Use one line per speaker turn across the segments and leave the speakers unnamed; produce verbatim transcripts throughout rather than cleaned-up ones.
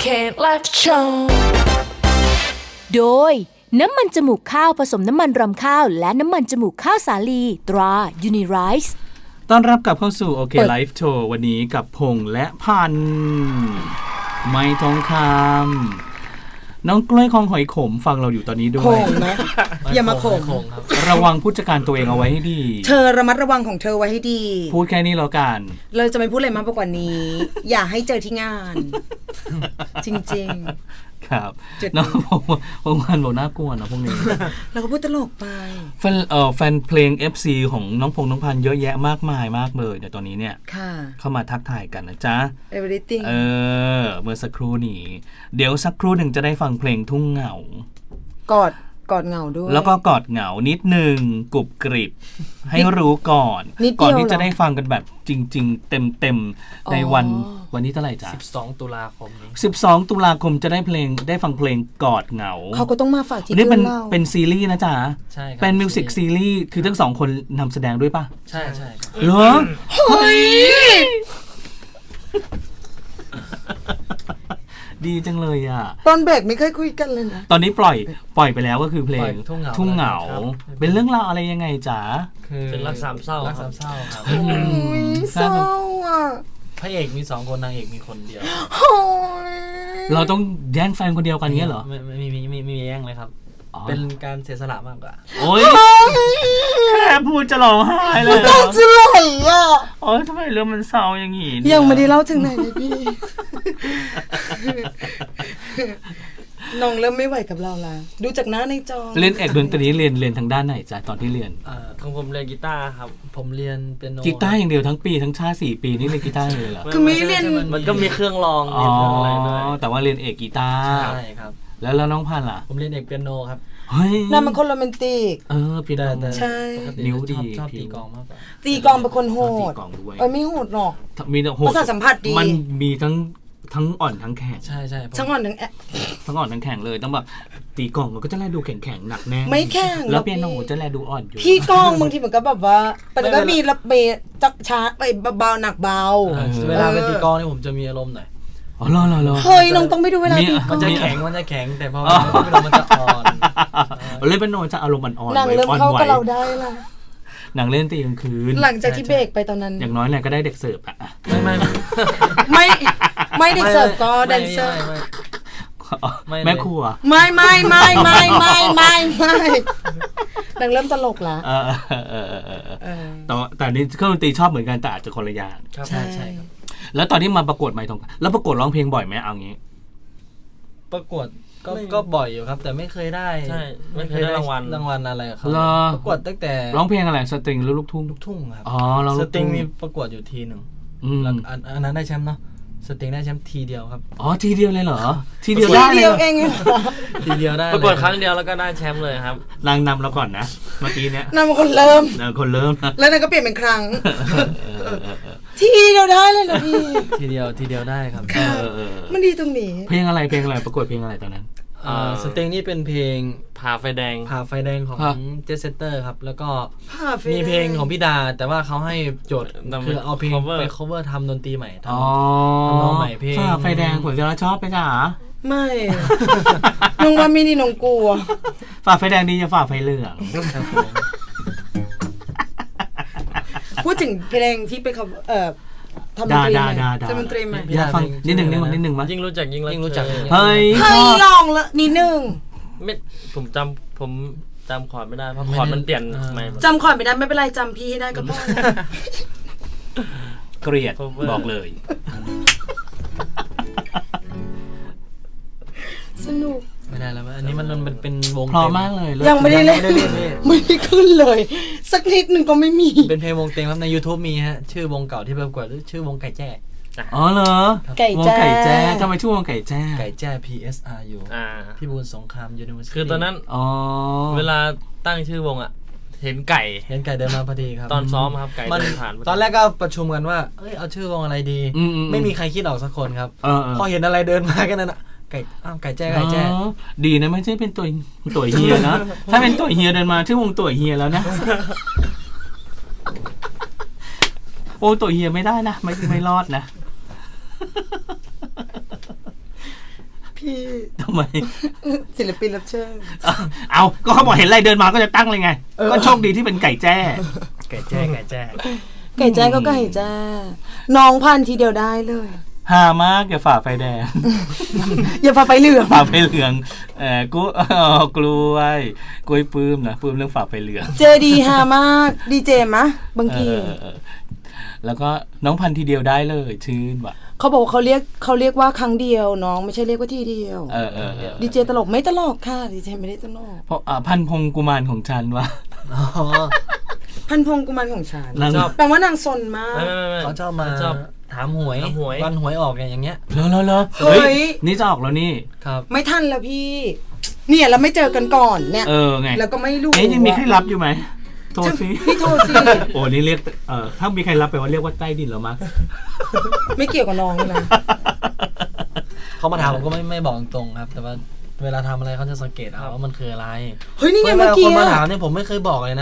Life Show
โดยน้ำมันจมูกข้าวผสมน้ำมันรำข้าวและน้ำมันจมูกข้าวสาลีตรา Unirice
ต้อนรับกลับเข้าสู่โอเคไลฟ์โชว์วันนี้กับพงษ์และพันธุ์ไม่ทองคำน้องกล้วยคองหอยขมฟังเราอยู่ตอนนี้ด้วย
โขงนะอย่ามาโขง
ระวังผู้จัดการตัวเองเอาไว ให้ดี
เธอระมัดระวังของเธอไว้ให้ดี
พูดแค่นี้แล้วกัน
เราจะไม่พูดอะไรมากไปกว่านี้ อย่าให้เจอที่งาน จริงๆ
ครับน้องพงษ์พงษ์พันธุ์บอกน่ากลัวนะพวกนี้
เราก็พูดตลกไป
แฟนเอ่อแฟนเพลง เอฟ ซี ของน้องพงษ์น้องพันธุ์เยอะแยะมากมายมากเลยเดี๋ยวตอนนี้เนี่ยเข้ามาทักทายกันนะจ๊ะ
Everything
เออเมื่อสักครู่นี้เดี๋ยวสักครู่หนึ่งจะได้ฟังเพลงทุ่งเหงาก
อดกอดเหงาด้วย
แล้วก็กอดเหงานิดนึงกรุบกริบให้รู้ก่อนก่อนที่จะได้ฟังกันแบบจริงๆเต็มๆในวันวันนี้เท่าไหร่จ๊ะ
สิบสองตุลาคมนี้
สิบสองตุลาคมจะได้เพลงได้ฟังเพลงกอดเหงา
เขาก็ต้องมาฝากที่
นี่เป็น
เรา
เป็นซีรีส์นะจ๊ะ
ใช่ครับ
เป็นมิวสิกซีรีส์คือทั้งสองคนนำแสดงด้วยป่ะ
ใช่ใช่
เหรอเฮ้ยดีจังเลยอ่ะ
ตอนเบรกไม่เคยคุยกันเลยนะ
ตอนนี้ปล่อยปล่อยไปแล้วก็คือเพลงทุ่งเหงาเป็นเรื่องราวอะไรยังไงจ๊ะ
คือเป็นรักสามเศร้ารักสามเศร้าครับ
เศร้าอ่ะ
พระเอกมีสองคนนางเอกมีคนเดียว
เราต้องแย่งแฟนคนเดียวกันเงี้ยเหรอ
ไม่ไม่มีไม่มีแย่งเลยครับเป็นการเสียสละมากกว่า
โอ๊ยแค่พูดจะร้องไห้เลย
ต้องจะไหลอ่ะ
โอ๊ยทำไมเรื่องมันเศร้าอย่างงี้
ยังไม่ได้เล่าถึงไหนเลยพี่น้องเริ่มไม่ไหวกับเราละดูจากหน้าในจอ
เล่นเอกดนตรีเรียนเรียนทางด้านไหนจ๊ะตอนที่เรียน
เอ่อของผมเรียนกีตาร์ครับผมเรียนเปียโน
กีตาร์อย่างเดียวทั้งปีทั้งชาติสี่ปีนี่เรียนกีตาร์เลยเหรอ
คือไม่เรียน
มันก็มีเครื่องรอง
อ๋อแต่ว่าเรียนเอกกีตาร์
ใช่ครับ
แล้วแล้วน้องพันธุ์ล่ะ
ผมเรียนเอกเปียโนครับ
เฮ้ย
นั่นมันคนโรแมนติก
เออเปียโน
ใช่
นิ้วดี
ชอบตีกลองมากกว่า
ตีกลองเป็นคนโหดเออไม่โหดหรอก
มีโหด
ประสาทสัมผัสดี
มันมีทั้งทั้งอ่อนทั้งแข็ง
ใช่ใช่
ทั้งอ่อนทั้งแอ
ทั้งอ่อนทั้งแข็งเลยต้องแบบตีกลองมันก็จะแลดูแข็งแข็งหนักแน่
ไม่แข็ง
แล้วเปียโนจะแลดูอ่อนอยู่
พี่กลองบางทีมันก็แบบว่าแต่ก็มีระเบิดจักช้าไปเบาหนักเบา
เวลาไปตีกลองนี่ผมจะมีอารมณ์หน่อย
อ๋อเหรอเหรอ
เฮ้ยน้องต้องไปดูเวลาตีกลอง
มันจะแข็งมันจะแข็งแต่พอเวลามันจะอ่อน
เล่นเปียโนจะอารมณ์อ่อน
หนังเริ่มเข้ากับเราได้ละ
หนังเล่นตีกลางคืน
หลังจากที่เบรกไปตอนนั้น
อย่างน้อยเนี่ยก็ได้เด็กเสิร์ฟอะ
ไม่ไม่
ไม่ไม่เด็กเสิร์ฟก็แดนเซอร์
แม่ครัว
ไม่ไม่ไม่ไม่ไม่ไม่ไม่หนังเริ่มตลกละ
เออเออเออเออแต่แต่นี่เครื่องดนตรีชอบเหมือนกันแต่อาจจะคนละอย่าง
ใช่ใช่ครับ
แล้วตอนที่มาประกวดไมค์ทองแล้วประกวดร้องเพลงบ่อยไหมเอางี้
ประกวดก็ก็บ่อยอยู่ครับแต่ไม่เคยได้
ใช่ไม่เคยได้รางวัล
รางวัลอะไรครับประกวดตั้งแต่
ร้องเพลงอะไรสตริงหรือลูกทุ่ง
ลูกทุ่งครับ
อ๋อเรา
สตริงมีประกวดอยู่ทีหนึ่งอันนั้นได้แชมป์เนาะสตริงได้แชมป์ทีเดียวครับ
อ๋อทีเดียวเลยเหรอทีเดียวได้
เลยเอง
ทีเดียวได้
ประกวดครั้งเดียวแล้วก็ได้แชมป์เลยครับ
นางนำเราก่อนนะเมื่อกี้เนี้ย
นำคนเริ่ม
นางคนเริ่ม
แล้วนางก็เปลี่ยนเป็นครั้งทีเดียวได้เลยนะพี่
ทีเดียวทีเดียวได้ครับ
มันดีตรงนี้
เพลงอะไรเพลงอะไรประกวดเพลงอะไรตอนนั้น
สเต็งนี่เป็นเพลง
ผ่าไฟแดง
ผ่าไฟแดงของเจสเซเตอร์ครับแล้วก็มีเพลงของพี่ดาแต่ว่าเขาให้โจทย์คือเอาเพลงไป cover ทำดนตรีใหม่ทำน้องใหม่เพลง
ผ่าไฟแดงผมจะชอบไปจ้ะ
ไม่น้องว่าไม่ดีน้องกลัว
ฝ่าไฟแดงดีจะฝ่าไฟเหลือง
พูดถึงเพลงที่ไปเขาเอ่อทำดนตรีใหม่ทำดนตรีใหม่
อยากฟังนิดหนึ่งนิดหนึ่งนิดหนึ่งมั้ย
ยิ่งรู้จักยิ่ง
ยิ่งรู้จัก
เฮ้ย
เฮ้ยลองละนิดหนึ่ง
ไม่ผมจำผมจำคอร์ดไม่ได้เพราะคอร์ดมันเปลี่ยนใหม่
จำคอร์ดไม่ได้ไม่เป็นไรจำพี่ให้ได้ก็พอ
เกลียดบอกเลย
สนุก
ไม่ได้แล้วอันนี้มันมันเป็นวง
พร้อมมากเลย
ยังไม่ได้เล่นไม่ได้ขึ้นเลยสักนิดหนึ่งก็ไม่มี
เป็นเพลงวงเต็มครับใน YouTube มีฮะชื่อวงเก่าที่ประกวดชื่อวงไก่แจ้
อ๋อเหรอ
ไก่แจ้
ทำไมชื่อวงไก่แจ้
ไก่แจ้ พี เอส อาร์ ยู พี่บูลสงคราม University
คือตอนนั้นเวลาตั้งชื่อวงอ่ะเห็นไก่
เห็นไก่เดินมาพอดีครับ
ตอนซ้อมครับไก่เดินผ่าน
ตอนแรกก็ประชุมกันว่าเอ้ยเอาชื่อวงอะไรดีไม่มีใครคิดออกสักคนครับพอเห็นอะไรเดินมากันนั่นไก่อ้าวไก่แจ้ไก่แจ้
ดีนะไม่ใช่เป็นตัวตัวเฮียนะถ้าเป็นตัวเฮียเดินมาชื่อวงตัวเฮียแล้วนะโอ้ตัวเฮียไม่ได้นะไม่ไม่รอดนะ
พี่
ทำไม
ศิลปินรับเชิญ
เอาก็เขาบอกเห็นอะไรเดินมาก็จะตั้งเลยไง
เออ
ก็โชคดีที่เป็นไก่แจ้
ไก่แจ้ไก่แจ้
ไก่แจ้ก็ไก่แจ้น้องพันทีเดียวได้เลย
หามากอย่าฝ่าไฟแดง
อย่าพาไปเหลือง
ฝ่าไฟเหลืองเออกูอ๋อกล้วยกล้วยปื้มนะปื้มเรื่องฝ่าไฟเหลือง
เจดีฮามากดีเจมะบางที
เออเออเออแล้วก็น้องพันทีเดียวได้เลยชื่นว่ะ
เขาบอกว่าเขาเรียกเขาเรียกว่าครั้งเดียวน้องไม่ใช่เรียกว่าทีเดียว
เออเออเออ
ดีเจตลกไม่ตลกค่ะดีเจไม่ได้ตลก
เพราะอ่าพันพงกุมารของฉันว่ะ
อ๋อ
พันพงกุมารของฉัน
นาง
ชอบ
แปลว่านางซนมาก
ไม่ไม่ไม่
เขาชอบมา
ชอบ
ถามหวย
ถามหวย
วันหวยออกเนี่ยอย่างเงี้ย
เลอะเลอะเลอะ
เฮ้ย
นี่จะออกแล้วนี่
ครับ
ไม่ทันแล้วพี่ เนี่ยเราไม่เจอกันก่อนเนี่ย
เออไง
แล้วก็ไม่รู้
เอ๊ะยังมีใครรับอยู่ไหมโทรสิ
พี่โทรสิ
โอ้นี่เรียกเออถ้ามีใครรับไปว่าเรียกว่าใต้ดินแล้วมั้ง
ไม่เกี่ยวกับน้องนะ
เขามาถามผมก็ไม่ไม่บอกตรงๆครับ แต่ว่าเวลาทำอะไรเขาจะสังเกตเอาว่ามันคืออะไร
เฮ้ยนี่ไง
เว
เมื่อ
ลา
กี้
คนมา
อะ
ถามเนี่ยผมไม่เคยบอกเลยนะ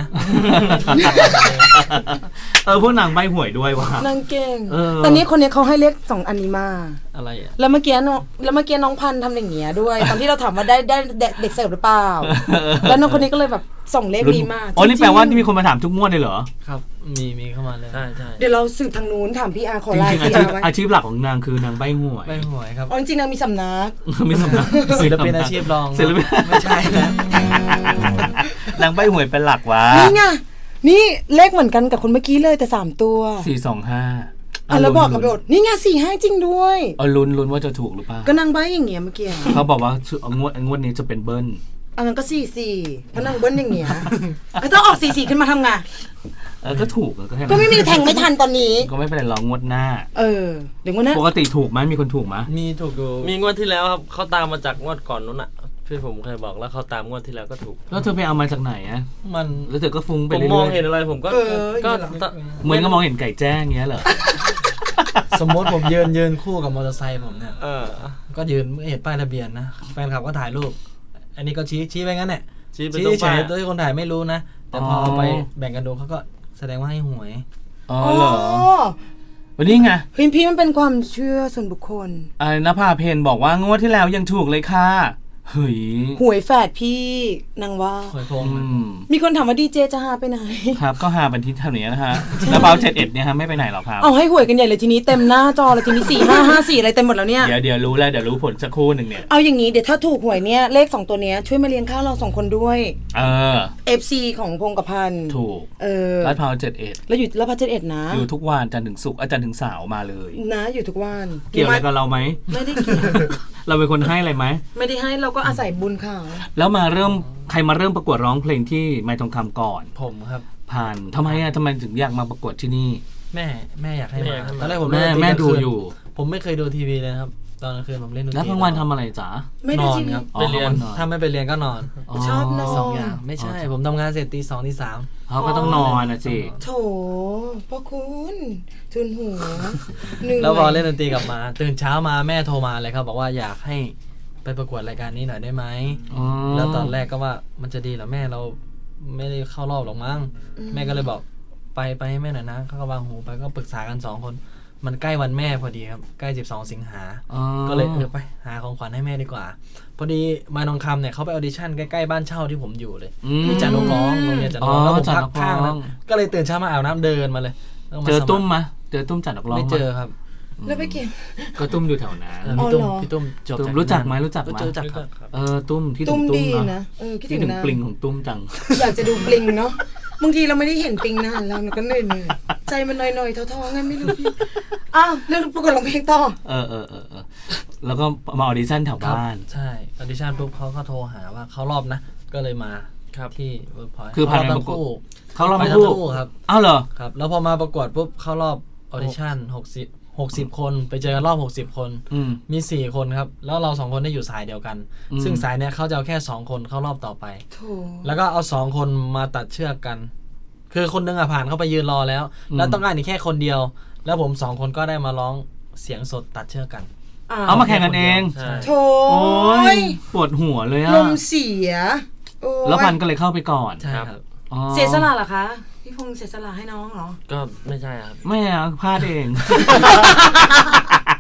เออพวกนางใบหวยด้วยว่ะ
นางเก่ง
เออ
แต่นี้คนนี้เขาให้เลขสองอันนี้มา
อะไรอ่ะ
แล้วเมื่อกี้น้องแล้วเมื่อกี้น้องพันธุ์ทำอย่างเงี้ยด้วย ตอนที่เราถามว่าได้ได้เด็กเด็กเสิร์ฟหรือเปล่า แล้วน้องคนนี้ก็เลยแบบส่งเลขนี้มา
อ๋อนี่
จริงๆ
แปลว่านี่มีคนมาถามทุกงวดเลยเหรอ
ครับ มีมีเข้ามาเลย
ใช่ใช่
เดี๋ยวเราสืบทางนู้นถามพี่อาร์ขอ
จ
ไลน์
ริงๆอา
พี่
ชี
อา
พ
ร์ไว้
อาชีพหลักของนางคือนางใบหวย
ไม่หวยครับ
อ๋อจริงๆนางมีสำนัก
ไม่สำนัก
ศิลปินอาชีพรอง
ศิลปิน
ไม่ใช่นะ
นางใบหวยเป็นหลักวะ
นี่ไงนี่เลขเหมือนกันกับคนเมื่อกี้เลยแต่สามตัว
สี่สองห้า
อ่ะแล้วบอกกับโดดนี่ไงสี่ห้าจริงด้วย
เอาลุ้นลุ้นว่าจะถูกหรือเปล่า
ก็นางใบอย่างเงี้ยเมื่อกี้
เขาบอกว่าชื่องวดงวดนี้จะเป็นเบิ้ล
อันนั้นก็สี่สี่เพราะนางเบิ้ลอย่างเงี้ยไอ้ต้องออกสี่สี่ขึ้นมาทำไง
เออก็ถูกก็แค่นั้น
ก็ไม่มีแทงไม่ทันตอนนี้
ก็ไม่เป็นไรหรอกงวดหน้า
เออเดี๋ยววันนั้น
ปกติถูกไหมมีคนถูกไหม
มีถูกอยู่
มีงวดที่แล้วครับเขาตามมาจากงวดก่อนนู้นอ่ะพี่ผมเคยบอกแล้วเขาตามงวดที่แล้วก็ถูก
แล้วเธอไปเอามาจากไหนอะ
มัน
แล้วเธอก็ฟุ้งไป
ผม
เรื่อยๆ
มองเห็นอะไรผมก็
เออ
ก็
อย่างเงี้ยเหรอ
เหมือนก็มองเห็นไก่แจ้งเงี้ยเหรอ
สมมติผมยืนยืนคู่กับมอเตอร์ไซค์ผมเนี่ย
เออ
ก็ยืนไม่เห็นป้ายทะเบียนนะ แฟนคลับก็ถ่ายรูป อันนี้ก็ชี้ชี้ไปงั้นแหละ
ชี้ไป
ชี้
ตรง
เฉ
ป้าย
ยๆโดยที่คนถ่ายไม่รู้นะ แต่พอเอาไปแบ่งกันดูเขาก็แสดงว่าให้หวย
อ๋อ
อ๋อ
เหรอวันนี้ไง
เฮ้ยพี่มันเป็นความเชื่อส่วนบุคคล
ไอ้นภาเพนบอกว่างวดที่แล้วยังถูกเลยค่ะเฮ้ย
หวยแฝดพี่นางว่า
หวยโพง
อืม
มีคนถามว่าดีเจจะหาไปไหน
ครับก็หาบันทิตเท่านี้นะฮะแล้วเบาเจ็ดเอ็ดเนี่ยฮะไม่ไปไหนหรอกครับ
เอาให้หวยกันใหญ่เลยทีนี้เต็มหน้าจอเลยทีนี้สี่ห้าห้าสี่อะไรเต็มหมดแล้วเนี่ย
เดี๋ยวเดี๋ยวรู้แล้วเดี๋ยวรู้ผลสักครู่หนึ่งเนี่ย
เอาอย่างนี้เดี๋ยวถ้าถูกหวยเนี่ยเลขสองตัวเนี้ยช่วยมาเลี้ยงข้าวเราสองคนด้วย
เออ
เอฟซีของพงกับพันธุ์
ถูก
เออ
ลาดพร้าวเจ็ดเอ็ด
แล้วอยู่แล้วพัชเจ็ดนะ
อยู่ทุกวันจันทร์ถึงศุกร์อาจารย์ถึงเสาร์มาเลย
นะอยู่ทุกวัน
เกี่ยวอะไรกับเราไหม
ไม่ได้เกี่ยว
เราเป็นคนให้อะไรไหม
ไม่ได้ให้เราก็อาศัยบุญเขา
แล้วมาเริ่มใครมาเริ่มประกวดร้องเพลงที่ไม้ทองคำก่อน
ผมครับ
ผ่านทำไมอะทำไมถึงอยากมาประกวดที่นี่
แม่แม่อยากให้
แม่
มา
อยากให้มา
ตอนแรกผม
แม่
เล่นนตรี
แม่
กลาง
ดู
คืน
อยู่
ผมไม่เคยดูทีวีเลยนะครับ ตอนกลางคืนผมเล่นดนตรี
แล้วกลางวันทำอะไรจ๊ะ
ไม่
น
ได้
อน
จริง
ครับ
อ๋อ
ไปเรียน
นอน
ถ้าไม่ไปเรียนก็นอน
ชอบนอน
สองอย่าง ไม่ใช่ ผมทำงานเสร็จตีสองตีสาม
เขาก็ต้องนอนนะสิ
โถพ่อคุณทุนหัวเหนื่อย
แล้วพอเล่นดนตรีกลับมา ตื่นเช้ามาแม่โทรมาเลยครับ บอกว่าอยากให้ไปประกวดรายการนี้หน่อยได้ไหม
อ๋อ
แล้วตอนแรกก็ว่ามันจะดีเหรอแม่เราไม่ได้เข้ารอบหรอกมั้งแม่ก็เลยบอกไปไปให้แม่หน่อยนะเขาก็วางหูไปก็ปรึกษากันสองคน มันใกล้วันแม่พอดีครับใกล้สิบสองสิงหา
อ๋อ
ก็เลยเออไปหาของขวัญให้แม่ดีกว่า พอดีมายนองคำเนี่ยเขาไปออดิชั่นใกล้ๆบ้านเช่าที่ผมอยู่เลย
อืม
ที่จัดนกร้องโรงเรียนจัดนกร้อง
อ๋อ
แล้วผม
จัด
พัก
นกร้อง
ข้างนั้นก็เลยตื่นเช้ามาอาบน้ำเดินมาเลยแล้วา
เจอ
สคร
ตุ้มมะเจอตุ้มจัดนักร้อง
ไม่
ห
เจอครับ
แล้วไปเก็บ
ก็ตุ้มอยู่แถวนั้น
เออพี่ตุ้ม
อ๋อเหรอ
พี่ตุ้มจบ
ตุ้ม
จาก
รู้จักไหม
นั่น
รู้จักไหม
รู้จักครับ
เออตุ้มที่ถึ
ตุ้
ง
ม
ตุ้ม
ดี
เนาะ
นะเออคิด
ที่
ถึ
ถึ
ง
ง
นะ
ปลิงของตุ้มจัง
อยากจะดูปลิงเนาะบางทีเราไม่ได้เห็นปลิงนานแล้วมันก็เหนื่อยๆใจมันหน่อยๆท้อๆไงไม่รู้พี่อ้าวเรื่องประกวดร้องเพลงต่อ
เออเออเออเออแล้วก็มาออดิชั่นแถว
ครับ
บ้าน
ใช่ออดิชั่นปุ๊บเขาก็โทรหาว่าเขารอบนะ ก็เลยมา
ครับ
ที่เวิร์กพอยต์
คือผ่าน
ทั้
การประกวด
งคู่
เขาเรา
ไป
ไม่
ทั้
พู
ง
ด
คู่ครับ
อ้าวเหรอ
ครับ แล้วพอมาประกวดปุ๊บเข้ารอบออดิชั่นหกสิบหกสิบคนไปเจอกันรอบหกสิบคน
อืม
มีสี่คนครับ แล้วเราสองคนได้อยู่สายเดียวกัน
อืม
ซึ่งสายเนี้ยเขาจะเอาแค่สองคนเข้ารอบต่อไป
โถ
แล้วก็เอาสองคนมาตัดเชือกกัน คือคนนึงอ่ะผ่านเข้าไปยืนรอแล้ว แล้วต้องการอีกแค่คนเดียว แล้วผมสองคนก็ได้มาร้องเสียงสดตัดเชือกกัน
เอามาแข่งกันเอง
ใช่
โถ
โอ้
ย
ยปวดหัวเลยอะ
ลมเสียโอ้ย
แล้วพันก็เลยเข้าไปก่อน
ใช่ครับ
อ๋อ
เสียสละเหรอคะพี่พงษ์เสียสละให้น้องเหรอ
ก็ไม่ใช่ครับ
ไม่อะพลาดเอง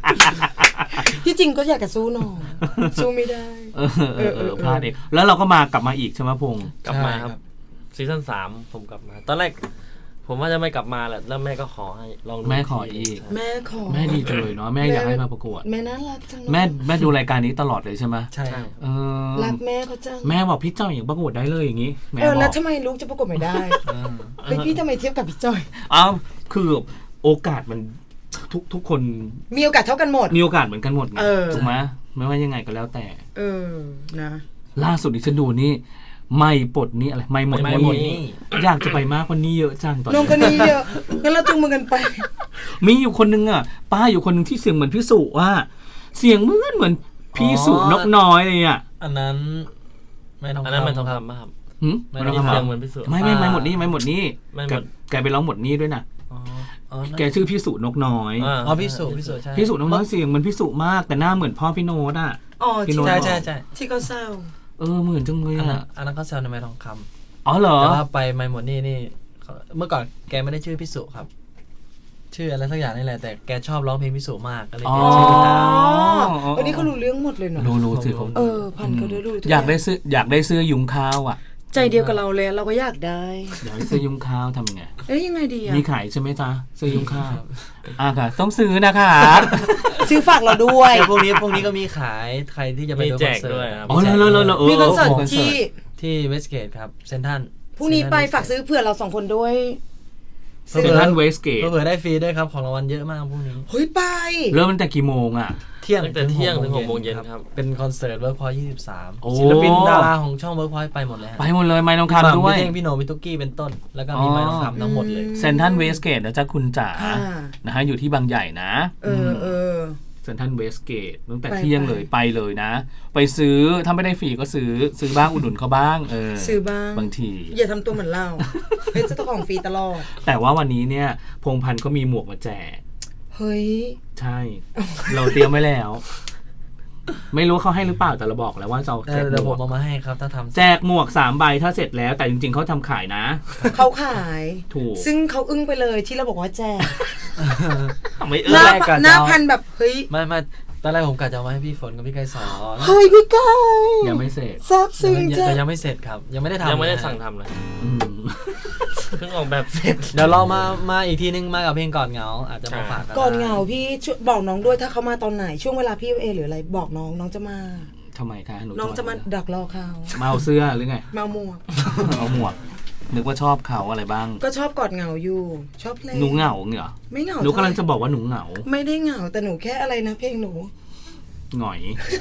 ที่จริงก็อยากจะสู้น้องสู้ไม่ได้
เออเออเออพลาดเองแล้วเราก็มากลับมาอีกใช่ไหมพงษ์
กลับมาครับซีซั่นสามผมกลับมา ตอนแรก ผมว่าจะไม่กลับมาแหละแล้วแม่ก็ขอให้ลองดู
แม่ขออีก
ใช่
แม่ขอ
แม่ดีจังเลยเนาะแม่อยากให้มาประกวด
แม่น่ารักจังเลย
แม่แม่ดูรายการนี้ตลอดเลยใช่ไหม
ใช่
ใช่
เออ
รักแม่เขาจัง
แม่บอกพี่เจ้าอย่างประกวดได้เลยอย่างนี้แม่
เออบ แล้ว
อก
ทำไมลูกจะประกวดไม่ได้
อ่า
เฮ้ยพี่ทำไมเทียบกับพี่จอย
อ้าวคือโอกาสมันทุกทุกคน
มีโอกาสเท่ากันหมด
มีโอกาสเหมือนกันหมดไง
เออ
ถูกไหมไม่ว่ายังไงก็แล้วแต่
เออนะ
ล่าสุดที่ฉันดูนี่ไม่ปลดนี่อะไรไม่หมด
ไม่หมดนี่
อยากจะไปมากกว่านี้เยอะจังตอน
น้อง
นี้
คนนี้เยอะงั้นเราจูงมือกันไป
มีอยู่คนนึงอ่ะป้าอยู่คนนึงที่เสียงเหมือนพี่สุว่าเสียงเหมือนเหมือนพี่สุนกน้อยเลยอ่ะ
อันนั้นไม่ต้อง
อันนั้นมันทองคำป่ะครับ
หืม
ไม่
ไม่
ต้
ต้
อ
อง ง
เสียง
ทำ
เหมือนพี่สุ
ไม่ไม่ไม่หมดนี่ไม่หมดนี่
ไม่หมด
แกแกไปร้องหมดนี่ด้วยนะ
อ๋อ
อ๋อ
แกชื่อพี่สุนกน้อย
อ่า
อ๋อพี่สุพี่สุใช่
พี่สุนกน้อยเสียงเหมือนพี่สุมากแต่หน้าเหมือนพ่อพี่โน้ตอ่ะ
อ๋อ
พี่
ที่
โน้ต
ใช่ใช่ใช่
ที่เขาเศร้า
เออเหมือนจังเลย
อันนั้น
อ่ะ
อันนั้นเขาแซวในไม้ทองค
อ๋อเหรอ
ำแต่ว่าไปไมหมดนี่นี่เขาเมื่อก่อนแกไม่ได้ชื่อพี่สุครับ ชื่ออะไรสักอย่างนี่แหละแต่แกชอบร้องเพลงพี่สุมากก็เลย
อ๋อ
เปลี่ยนชื่อตาม
อ๋อ
วันนี้เขารู้เรื่องหมดเลยเนาะ
รู้รู้สิผม
เออพันเขาได้รู้ทุก
อยากได้ซื้ออยากได้เสื้อยุงข้าวอ่ะ
ใจเดียวกับเราเลยเราก็อยากได้
อยากได้เสื้อยุงข้าวทำยังไง
เอ้ยยังไงดีอะ
มีขายใช่ไหมจ๊ะเสื้อยุงข้าวอ่ะค่ะ ต้องซื้อนะคะ
ซื้อฝากเราด้วย
แต่พวกนี้พวกนี้ก็มีขายใครที่จะไป
มี
ดูค
แจ
อน
ก
เสิร์
ด้วย
ต
ครับ
อ๋อแล้วแล้วแล้วแล้วเออ
มีคอนเสิร์ต
คอนเสิร์ต
ที่
ที่เวสเกตครับเซนทัน
พรุ่งนี้ไปฝากซื้อเผื่อเราสองคนด้วย
เซ็นทรัลเวสเกต
เผื่อได้ฟรีด้วยครับของรางวัลเยอะมากพรุ่งนี้
เฮ้ยไป
เริ่มตั้งแต่กี่โมงอ่ะ
เที่ยง
ตั้งแต่เที่ยงถึงหกโมงเย็นครับ
เป็นคอนเสิร์ตเวิร์กพอยยี่สิบสาม
โอ้
ศิลปินดาราของช่องเวิร์กพอยไปหมดเลยฮะ
ไปหมดเลยไม้ทอง
พี่
คำ
หม่ำ
ด้วย
พี่เท่งพี่โหนงพี่ตุ๊กกี้เป็นต้น แล้วก็มี
อ๋อ
ไม้ทองคำทั้งหมดเลย
เซ็นทรัลเวสเกตนะจ๊ะคุณจ๋า
ค่ะ
นะฮะอยู่ที่บางใหญ่นะ
เออเออ
เซ็นทรัลเวสเกตตั้งแต่
ไป
เที่ยง
ไป
เลยไปเลยนะ ไปซื้อถ้าไม่ได้ฟรีก็ซื้อซื้อบ้างอุดหนุนเขาบ้างเออ
ซื้อบ้าง
บางที
อย่าทำตัวเหมือนเราเป็นเจ้าของฟรีตลอด
แต่ว่าวันนี้เนี่ยพงษ์พันธ์ก็มีหมวกมาแจก
เฮ้ย
ใช่ เราเตรียมไว้แล้ว ไม่รู้เขาให้หรือเปล่าแต่เราบอกแล้วว่าจะเอาแจก
เดี๋ยว
หม
ผ
ว
ม
ก
เอามาให้ครับถ้าทำ
แจกหมวกสามใบถ้าเสร็จแล้ว แต่จริงๆเขาทำขายนะ
เขาขาย
ถูก
ซึ่งเขาอึ้งไปเลยที่เราบอกว่าแจก
ไม่เอ
ห
อ
น้า
แรกอะ
หน้า
จะเอา
พันแบบเฮ้ย
ไม่ไม่ตอนแรกผมกะจะเอามาให้พี่ฝนกับพี่ไกรสอน
เฮ้ยพี่ก้อย
ยังไม่เสร็จ
ซาบซึ้ง
ยัง
จ้ะ
แต่ยังไม่เสร็จครับ ยังไม่ได้ทำ
ยังไม่ได้
นะ
สั่งทำเลย
อืม
เพิ่งออกแบบเสร็จ
เดี๋ยวเรามามาอีกทีนึงมากับเพลงก่อนเหงา อาจจะมาฝากกัน
ก่อนเหงาพี่ช่วยบอกน้องด้วยถ้าเขามาตอนไหนช่วงเวลาพี่เอหรืออะไรบอกน้องน้องจะมา
ทำไมคะหนู
น้องจะมาดักรอเขา
มาเอาเสื้อหรือไง
มาหมวก
เอาหมวก นึกว่าชอบเขาอะไรบ้าง
ก็ชอบกอดเหงาอยู่ ชอบเพลง
หนูเหงาเหรอ
ไม่เหงา
หนูกำลังจะ
เท่าไหร่
บอกว่าหนูเหงา
ไม่ได้เหงาแต่หนูแค่อะไรนะเพลงหนู
หงอย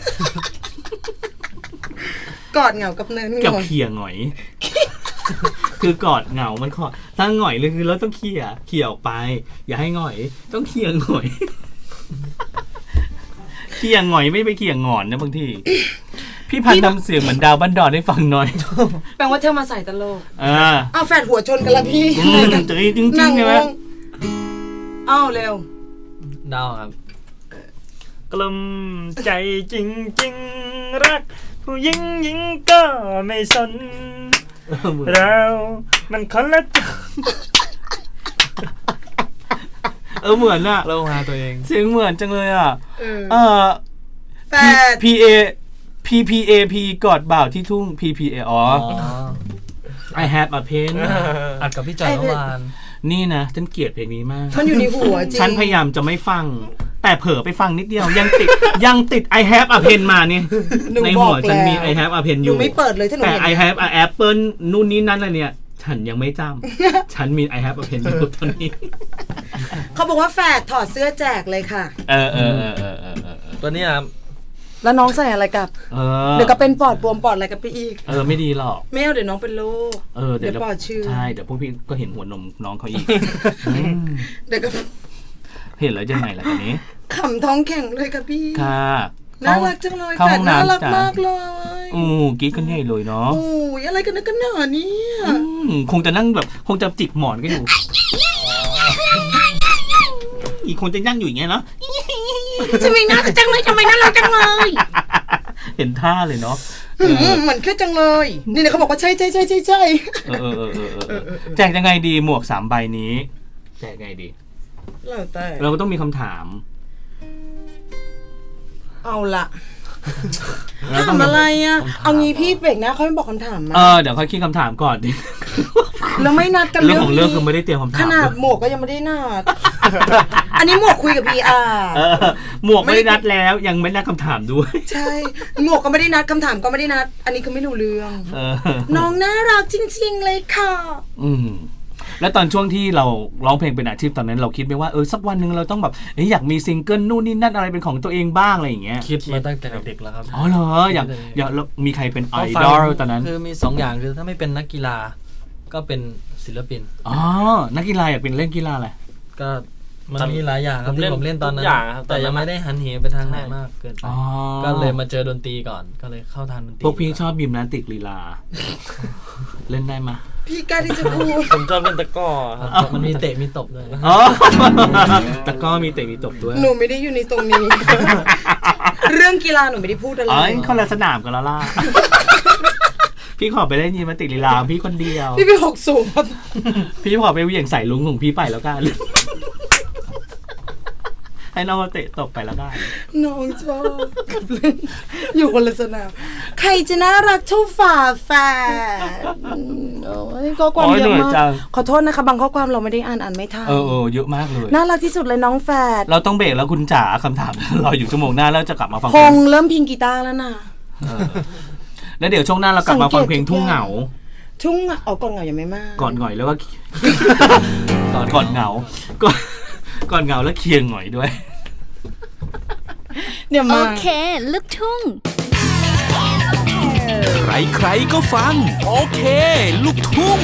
กอดเหงากับเนินเห
กับ
งา
เขี่ยหงอย คือกอดเหงามันขอถ้าหงอยเลยคือเราต้องเขี่ยเขี่ยออกไป อย่าให้หงอย ต้องเขี่ยหงอย เขี่ยหงอยไม่ไปเขี่ยหงอนนะบางที พี่พันธ์ทำเสียงเหมือนดาวบ้านดอนให้ฟังหน่อย
แปลว่าเธอมาใส่ตลก
อ่า
อ้าวแฟดหัวชนกันละพี่
อืมจริงจริงจริ
นั่
ง
ง
ใช่ไหม
งงอ้าวเร็ว
ดาวครับ
กลุ่มใจจริงจริงๆรัก ผู้หญิงหญิงก็ไม่สน เรามันคนละจัง
เออเหมือนอะ
เราหาตัวเอง
เสียงเหมือนจังเลยอะ
เออ
เออ
แฟด
P A P P A P กอดบ่าวที่ทุ่ง P P A อ๋อ
อ๋อ
I have a pen
อัดกับพี่จอยเมื่อวาน
นี่นะฉันเกลียดเพลงนี้มาก
มันอยู่ในหัวจริง
ฉันพยายามจะไม่ฟัง แต่เผลอไปฟังนิดเดียว ยังติด ยังติด I have a pen มาเนี่ย
หนู
ใน
บ
หั
อ
ว
ก
ฉันมี
แล้ว
I have a pen อ
หนู
ยู่
ไม่เปิดเลยถ้าหนู
แต่
เห็น
I have a apple นู่นนี่นั่นอะไรเนี่ย ฉันยังไม่จำ ฉันมี I have a pen อยู่ตอนนี้
เขาบอกว่าแฟดถอดเสื้อแจกเลยค่ะ
เออเออเออเออเออเออ
ตัวนี้ครับ
แล้วน้องใส่อะไรกับ
เออ
เดี๋ยวก็เป็นปอดบวมปอดอะไรกันไปอีก
เออไม่ดีหรอก
ไม่เอาเดี๋ยวน้องเป็นโรค
เออเดี๋ยว
เดี๋ยวปอดเชื่อ
ใช่เดี๋ยวพวกพี่ก็เห็นหัวนมน้องเขาอีกอืม
เดี๋ยวก็
เห็นแล้วยังไงล่ะตอนนี้
ขำท้องแข็งเลยค่ะพี่
ค่ะ
น่ารักจังเลย
เข้า
แฟ
ห้
ด
อง
น่า
น้ำ
รัก
จ้ะ
มากเลย
อู้กรีดกันใหญ่เลยเนาะ
โอ้ยอะไรกันนะกันหนาเนี่ย
อืมคงจะนั่งแบบคงจะจิกหมอนกันอยู่ อีกคนจะนั่งอยู่อย่างเงี้ยเนาะ
ทำไมน่ารักจังเลยทำไมน่ารักจังเลย
เห็นท่าเลยเนาะ
อืมเหมือนแค่จังเลย นี่เนี่ยเขาบอกว่าใช่ใช่ใช่ใช่ใช่
เออเออเออเออเออเออเออแจกยังไงดีหมวกสามใบนี้ แจกยังไงดี
แล้วแต่
เราก็ต้องมีคำถาม
เอาละถามอะไรอ่ะเอางี้พี่เบรกนะเขาไม่บอกคำถามมา
เออเดี๋ยวค่อยคิดคำถามก่อนดิ
แล้วไม่นัดกัน
เรื่องของเรื่องคือไม่ได้เตรียมคำ
ข
ถาม
นาด
ด้วย
หมวกก็ยังไม่ได้นัด อันนี้หมวกคุยกับพีอาร์
เออหมวกไม่ได้นัดแล้วยังไม่นัดคำถามด้วย
ใช่ หมวกก็ไม่ได้นัดคำถามก็ไม่ได้นัด อันนี้คือไม่รู้เรื่อง
เออ
น้องน่ารักจริงๆเลยค่ะ
อืมแล้วตอนช่วงที่เราร้องเพลงเป็นอาชีพตอนนั้นเราคิดไหมว่าเออสักวันหนึ่งเราต้องแบบเอ้ยอยากมีซิงเกิลนู่นนี่นั่นอะไรเป็นของตัวเองบ้างอะไรอย่างเงี้ย
คิดมาตั้งแต่เด็กๆแล้วครับ
อ๋อเหรออยากอยากแล้วมีใครเป็นไอ
ก็ฟัง
ดอลตอนนั้น
คือมีสองอย่างคือถ้าไม่เป็นนักกีฬาก็เป็นศิลปิน
อ๋อนักกีฬาอยากเป็นเล่นกีฬาอะไร
ก็มันมีหลายอย่างครับที่ผมเล่นตอนนั้น
ทุกอย่างครับ
แต่ยังไม่ได้หันเหไปทางไหนมากเกินไป
อ๋อ
ก็เลยมาเจอดนตรีก่อนก็เลยเข้าทางดนตรี
พวกพี่ชอบยิมนาสติกลีลา เล่นได้ไหม
พี่กล้าที่จะพูด
ผมชอบเล่นตะกร้อครับ
มันมีเตะมีตบด้วย
อ๋อแต่ก็มีเตะมีตบด้วย
หนูไม่ได้อยู่ในตรงนี้ เรื่องกีฬาหนูไม่ได้พูดอะไร
อ๋อคนละสนามกันแล้วล่ะ พี่ขอไปเล่นยิมนาสติกลีลาพี่คนเดียว
พี่ไปหกสูงครับ
พี่ขอไปเหวี่ยงใส่ลุงของพี่ไปแล้วกัน ให้น้องเตะตบไปแล้วกัน
น้องชอบกับเล่นอยู่คนละสนามใครจะน่ารักเท่าฝาแฝดอืมโอ้ยข้อความ
โอ้ย
เย
เหนื่
อะ
อย
มา
จั
ก
ง
ขอโทษนะคะบางข้อความเราไม่ได้อ่านอ่านไม่ทัน
เออเออเยอะมากเลย
น่ารักที่สุดเลยน้องแฝด
เราต้องเบรกแล้วคุณจ๋าคำถาม รออยู่ชั่วโมงหน้าแล้วจะกลับมาฟัง
พ
เพล
ง
ง
เริ่มพิงกีตาร์แล้วนะ
เออแล้วเดี๋ยวช่วงหน้าเรากลับมาฟังเพลงทุ่งเหงา
ทุ่งอ่ะเอาก่อนเหงายังไม่มาก
ก่อนหงอยแล้วก็ ก่อนก่อนเหงาก่อนก่อนเหงาแล้วเคียงหงอยด้วย
เดี๋ยว
โอ
มา
เค ลูกทุ่ง
ใครๆก็ฟัง โอเค ลูกทุ่ง